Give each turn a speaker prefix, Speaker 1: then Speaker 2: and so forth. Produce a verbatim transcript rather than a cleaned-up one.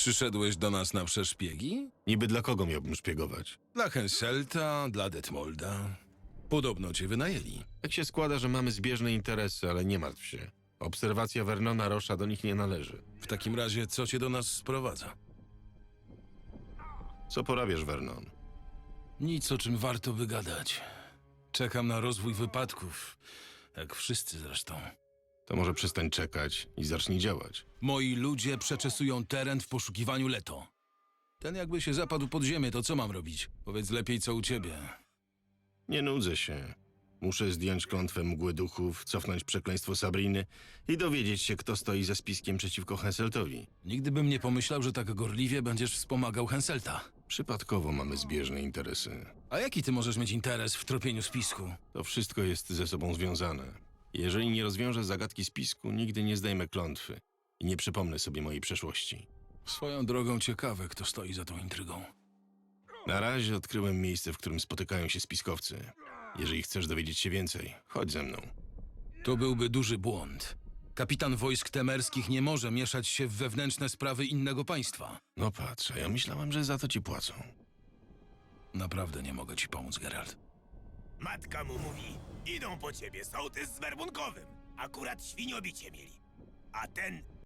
Speaker 1: Przyszedłeś do nas na przeszpiegi?
Speaker 2: Niby dla kogo miałbym szpiegować?
Speaker 1: Dla Henselta, dla Detmolda. Podobno cię wynajęli.
Speaker 2: Tak się składa, że mamy zbieżne interesy, ale nie martw się. Obserwacja Vernona Rocha do nich nie należy.
Speaker 1: W takim razie, co cię do nas sprowadza?
Speaker 2: Co porabiasz, Vernon?
Speaker 1: Nic, o czym warto wygadać. Czekam na rozwój wypadków, jak wszyscy zresztą.
Speaker 2: To może przestań czekać i zacznij działać.
Speaker 1: Moi ludzie przeczesują teren w poszukiwaniu Leto. Ten jakby się zapadł pod ziemię, to co mam robić? Powiedz lepiej, co u ciebie.
Speaker 2: Nie nudzę się. Muszę zdjąć klątwę mgły duchów, cofnąć przekleństwo Sabriny i dowiedzieć się, kto stoi za spiskiem przeciwko Henseltowi.
Speaker 1: Nigdy bym nie pomyślał, że tak gorliwie będziesz wspomagał Henselta.
Speaker 2: Przypadkowo mamy zbieżne interesy.
Speaker 1: A jaki ty możesz mieć interes w tropieniu spisku?
Speaker 2: To wszystko jest ze sobą związane. Jeżeli nie rozwiążę zagadki spisku, nigdy nie zdejmę klątwy i nie przypomnę sobie mojej przeszłości.
Speaker 1: Swoją drogą ciekawe, kto stoi za tą intrygą.
Speaker 2: Na razie odkryłem miejsce, w którym spotykają się spiskowcy. Jeżeli chcesz dowiedzieć się więcej, chodź ze mną.
Speaker 1: To byłby duży błąd. Kapitan wojsk temerskich nie może mieszać się w wewnętrzne sprawy innego państwa.
Speaker 2: No patrz, a ja myślałem, że za to ci płacą.
Speaker 1: Naprawdę nie mogę ci pomóc, Geralt.
Speaker 3: Matka mu mówi, idą po ciebie sołtys z werbunkowym. Akurat świniobicie mieli. A ten